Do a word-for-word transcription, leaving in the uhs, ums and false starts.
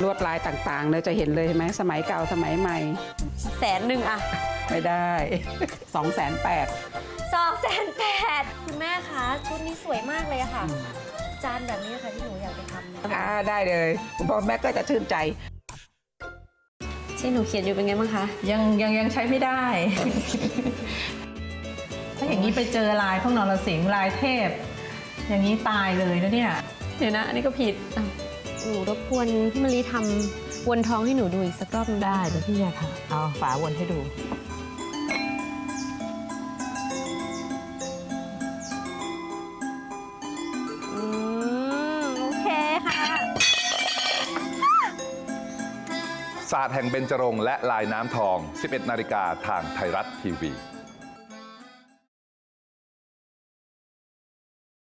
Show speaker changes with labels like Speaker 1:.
Speaker 1: ลวดลายต่างๆเลยจะเห็นเลยใช่ไหมสมัยเก่าสมัยใหม่
Speaker 2: แสนหนึ่งอะ
Speaker 1: ไม่ได้สองแสนแปด
Speaker 2: สองแสนแปดคุณแม่คะชุดนี้สวยมากเลยอะค่ะจานแบบนี้ค่ะที่หนูอยากจะทำ
Speaker 1: อ่าได้เลยคุณพ่อแม่ก็จะชื่นใจ
Speaker 2: ที่หนูเขียนอยู่เป็นไงบ้างคะ
Speaker 3: ยังยังยังใช้ไม่ได้ ถ้าอย่างนี้ไปเจอลายพวกนรสิงห์ลายเทพอย่างนี้ตายเลยนะเนี่ย
Speaker 2: เดี๋ยวนะอันนี้ก็ผิดหนูรบกวนพี่มะลิทำวนท้องให้หนูดูอีกสักรอบนึง
Speaker 3: ได้เดี๋ยวพี่จะทำเอาฝาวนให้ดู
Speaker 2: อืมโอเคค่ะ
Speaker 4: ศาสตร์แห่งเบญจรงค์และลายน้ำทอง สิบเอ็ดนาฬิกาทางไทยรัฐทีวี